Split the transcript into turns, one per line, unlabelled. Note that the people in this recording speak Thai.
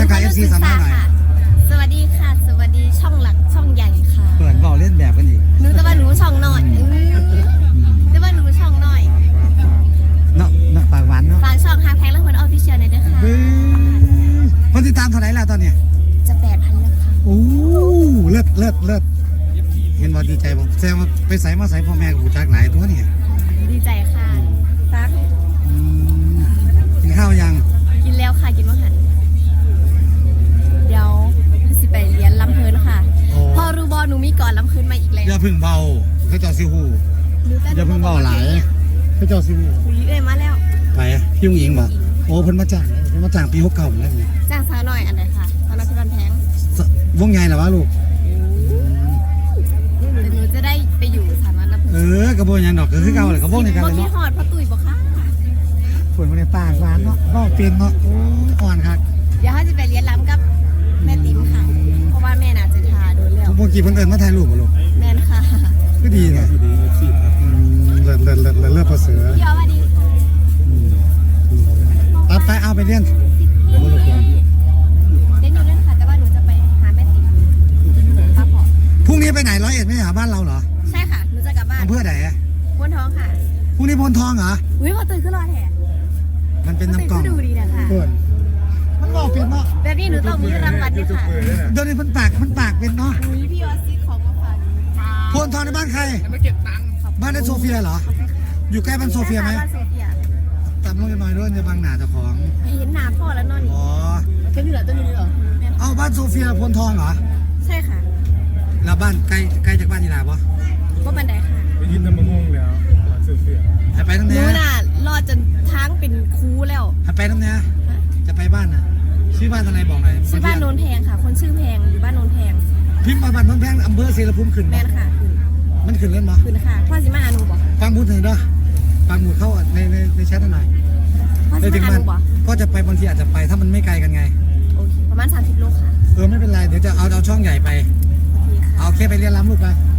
กับ FC สามหน่อย
สวัสดีค่ะสวัสดีช่องหลักช่องใหญ่ค่ะ
เปิดบอกเล่นแบบกันอีก
หนูแต่ว่าหนูช่องหน่อยแต่ว่าหนูช่องหน่อย
เนาะปากหวานเนาะ
ฝากช่องฮาแพ็คและคนออฟฟิเชียลหน่อยด้วยค่ะ
คนติดตามเท่าไหร่แล้วตอนเนี้ย
จะ8,000แล้วค่ะ
โอ้เลิศเห็นว่าดีใจบ่แซงไปใส่มาใส่พ่อแม่กูจากไหนตัวเนี่ย
ดีใจค่ะซัก
กินข้าวยัง
กินแล้วค่ะกินว่าหันเดี๋ยวสิไปเรียนลำเพลินค่ะพอรูบอหนูมีก่อนลำเพลินมาอีกแล้ว
อย่าพึ่งเบาเขาเจ้าซิฮูอย่าพึ่งเบาหลายเขาเจ้าซิฮู
เอ้ยมาแล้ว
ไปพี่ยุงหญิงบ่โอ้เพิ่นมาจ้างปี69แล้วนี่
จ้างสาวหน่อยอันไหนค่ะสาวน้อยเพลินแพง
วงใหญ่เหรอวะลูก
แต่หนูจะได้ไปอยู่สถาบันลำเพลิน
กระโบยังดอกก็คือเก่าเลยกระโบในกันเลยเนาะ
หอดพอตุ๋ยบ่ค่ะ
ฝนมาในปากหวานเนาะก็เป็นเนาะโอ้อ่อนครับ
เดี๋ยวเขาจะไปเรียนล้ำกับแม่ติ๋มค่ะเพราะว่าแม่น่าจะทาโดนแล้ว
ทุกคนกี่เพิ่นเอิญมาถ่ายรูปบ่ลูก
แม่นค่ะ
ก็ดีนะเลิศประเสริฐ
พี่อ๋อสวัสดี
ตัดไปเอาไปเรียน
เรียนอยู่ด้วยค่ะแต่ว่าหนูจะไปหาแม่ติ๋มป้าพอ
พรุ่งนี้ไปไหน101ไม่หาบ้านเราเหรอ
ใช่ค่ะหนูจะกลับบ้าน
อำเภอไหน
พนท้องค่ะ
พรุ่งนี้พนทองเหรอ
อุ้ยพอตื่นขึ้นรอแถ
มันเป็นน้ำกล่อง
ดูดีนะคะ
มันบอกเป็นเนาะ
แบบนี้หนูต้องมีรางวัลด้วยค่ะ
เดี๋ยวนี้มันปากเป็นเนาะ
อุ้ยพี่ออสซิของมาฝาก
พนทองในบ้านใครบ้านในโซเฟียเหรออยู่ใกล้บ้านโซเฟียไหมตามลงหน่อยด้วยจะบางหนาเจ้าของ
เห็นหนาพ่อแล้วนอน
อ๋อ
แค่นี้เหรอตัวนี้เหรอ
เอาบ้านโซเฟียพนทองเหรอ
ใช่ค่ะ
แล้วบ้านใกล้จากบ้านนี่แหละปะ
ก็บันไดค่ะ
ไปยินน้ำมะม่วงแล้วโซเฟีย
ไปตั้งแต่
นู้นน่ะรอจนทั้งเป็นคูแล้ว
ไปตั้งแต่จะไปบ้านน่ะชื่อบ้านอะไรบอกหน่อย
ชื่อบ้านโนนแพงค่ะคนชื่อแพงอยู่บ้านโนนแพง
พิมพ์มาบ้านโนนแพงอำเภอศรีละภูมิขึ้น
แม่นค่ะขึ้น
มันขึ้นเล่นมั้
ขึ้นค่ะพ่อสิมาหาหนูบอก
ฟังพูดถึงด้วยฟังหมุดเข้าในแชทหน่อย
พ่อสิมาหาหนูบอก
ก็จะไปบางทีอาจจะไปถ้ามันไม่ไกลกันไง
โอเคประมาณ30 โลค่ะ
ไม่เป็นไรเดี๋ยวจะเอาช่องใหญ่ไป
โอเคค่ะ
เอาแค่ไปเรียนรำลูกไป